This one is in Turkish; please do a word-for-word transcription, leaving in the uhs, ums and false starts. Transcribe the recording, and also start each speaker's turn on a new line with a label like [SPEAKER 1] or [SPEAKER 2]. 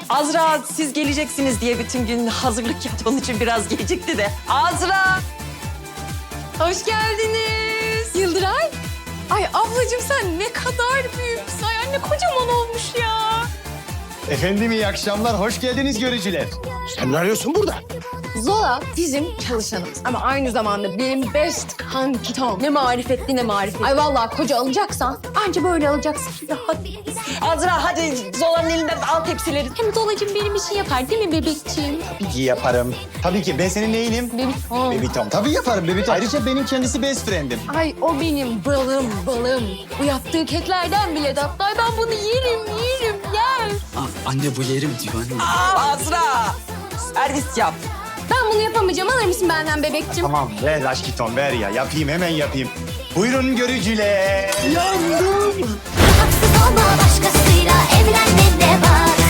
[SPEAKER 1] Azra siz geleceksiniz diye bütün gün hazırlık yaptı. Onun için biraz gecikti de. Azra!
[SPEAKER 2] Hoş geldiniz. Yıldıray. Ay ablacığım sen ne kadar büyüksün. Ay anne kocaman olmuş ya.
[SPEAKER 3] Efendim iyi akşamlar, hoş geldiniz görücüler. Sen ne arıyorsun burada?
[SPEAKER 2] Zola bizim çalışanımız ama aynı zamanda benim best kankitom. Ne marifetli ne marifetli. Ay vallahi koca alacaksan anca böyle alacaksın. Rahat.
[SPEAKER 1] Azra hadi Zola'nın elinden al tepsileri.
[SPEAKER 2] Hem Zolacığım benim işi yapar değil mi bebekciğim?
[SPEAKER 3] Tabii ki yaparım. Tabii ki, ben senin neyinim?
[SPEAKER 2] Bebitom.
[SPEAKER 3] Bebitom. Tabii yaparım Bebitom. Ayrıca benim kendisi best friend'im.
[SPEAKER 2] Ay o benim balım balım. Bu yaptığı keklerden bile tatlı. Ay ben bunu yerim yerim yer.
[SPEAKER 4] Aa, anne bu yerim diyor anne.
[SPEAKER 1] Aa, Azra! Servis yap.
[SPEAKER 2] Ben bunu yapamayacağım. Alır mısın benden bebekciğim?
[SPEAKER 3] Tamam, ver aşkiton, ver ya. Yapayım, hemen yapayım. Buyurun görücüler. Yandım.
[SPEAKER 5] Haksız olma başkasıyla evlenme de var.